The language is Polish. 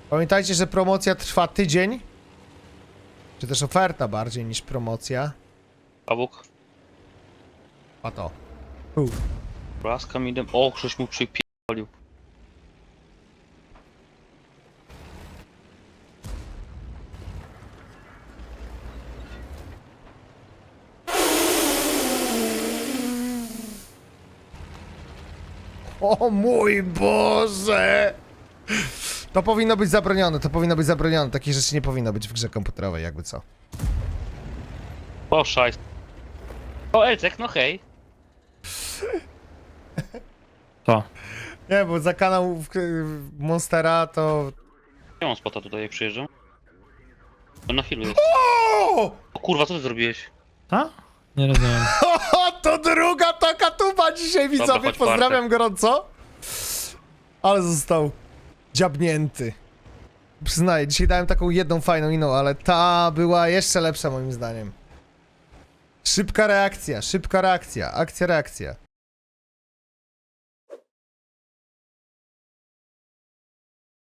Pamiętajcie, że promocja trwa tydzień. Czy też oferta bardziej niż promocja. Pawuk. A to. Blaska mi O, ktoś mu przypierdolił. O mój Boże! To powinno być zabronione, to powinno być zabronione. Takich rzeczy nie powinno być w grze komputerowej, jakby co. O, szajs. O, Elcek, no hej. To. Nie, bo za kanał Monstera to... Nie mam spota tutaj, jak przyjeżdżam. On na chwilę jest. O! O kurwa, co ty zrobiłeś? A? Nie rozumiem. To druga taka tuba dzisiaj, widzowie. chodź, Pozdrawiam gorąco. Ale został dziabnięty. Przyznaję, dzisiaj dałem taką jedną fajną inną, ale ta była jeszcze lepsza moim zdaniem. Szybka reakcja, akcja, reakcja.